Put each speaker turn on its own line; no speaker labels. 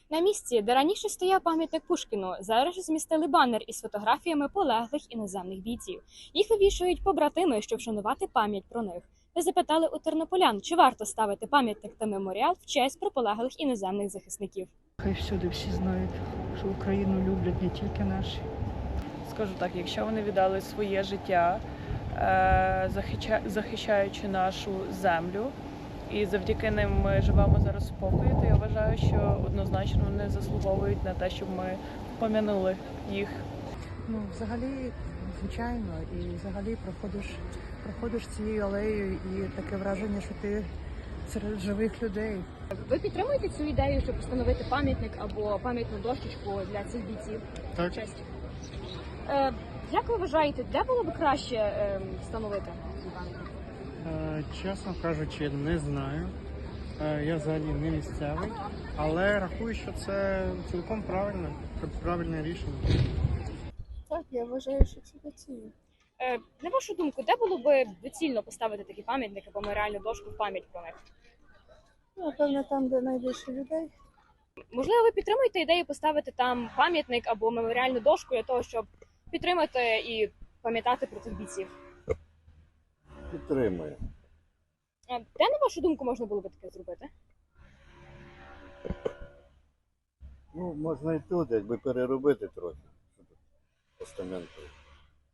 На місці, де раніше стояв пам'ятник Пушкіну, зараз ж змістили банер із фотографіями полеглих іноземних бійців. Їх вивішують побратими, щоб вшанувати пам'ять про них. Ми запитали у тернополян, чи варто ставити пам'ятник та меморіал в честь про полеглих іноземних захисників.
Хай всюди всі знають, що Україну люблять не тільки наші.
Скажу так, якщо вони віддали своє життя, захищаючи нашу землю, і завдяки ним ми живемо зараз в спокої, то я вважаю, що однозначно вони заслуговують на те, щоб ми пом'янули їх.
Ну, взагалі, звичайно, і взагалі проходиш цією алеєю і таке враження, що ти серед живих людей.
Ви підтримуєте цю ідею, щоб встановити пам'ятник або пам'ятну дощечку для цих бійців?
Так.
Честь. Як ви вважаєте, де було б краще встановити цей пам'ятник?
Чесно кажучи, не знаю. Я взагалі не місцевий, але рахую, що це цілком правильне рішення.
Так, я вважаю, що це доцільно.
На вашу думку, де було б доцільно поставити такий пам'ятник або меморіальну дошку в пам'ять про них?
Напевно, там, де найбільше людей.
Можливо, ви підтримуєте ідею поставити там пам'ятник або меморіальну дошку для того, щоб підтримати і пам'ятати про цих бійців?
Підтримує.
Де, на вашу думку, можна було б таке зробити?
Ну, можна і тут, якби переробити трохи. Постаменту.